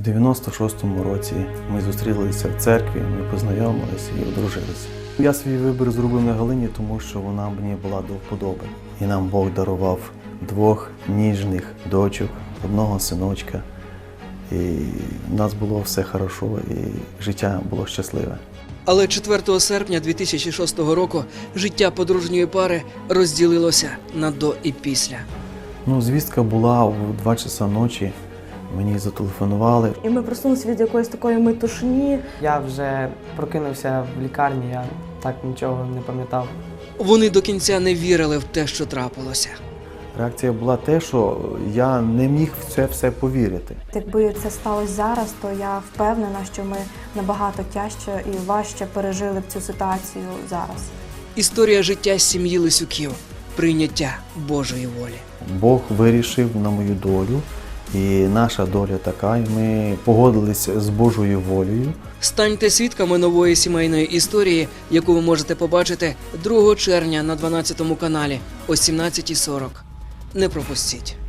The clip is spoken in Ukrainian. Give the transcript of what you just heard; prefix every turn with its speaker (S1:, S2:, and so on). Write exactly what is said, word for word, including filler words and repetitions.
S1: В дев'яносто шостому році ми зустрілися в церкві, ми познайомилися і одружилися. Я свій вибір зробив на Галині, тому що вона мені була до вподоби. І нам Бог дарував двох ніжних дочок, одного синочка. І в нас було все хорошо, і життя було щасливе.
S2: Але четвертого серпня дві тисячі шостого року життя подружньої пари розділилося на до і після.
S1: Ну, звістка була в два часа ночі, мені зателефонували.
S3: І ми просунулися від якоїсь такої метушні.
S4: Я вже прокинувся в лікарні, я так нічого не пам'ятав.
S2: Вони до кінця не вірили в те, що трапилося.
S1: Реакція була те, що я не міг в це все повірити.
S3: Якби це сталося зараз, то я впевнена, що ми набагато тяжче і важче пережили б цю ситуацію зараз.
S2: Історія життя сім'ї Лисюків. Прийняття Божої волі.
S1: Бог вирішив на мою долю, і наша доля така, і ми погодилися з Божою волею.
S2: Станьте свідками нової сімейної історії, яку ви можете побачити другого червня на дванадцятому каналі о сімнадцятій сорок. Не пропустіть.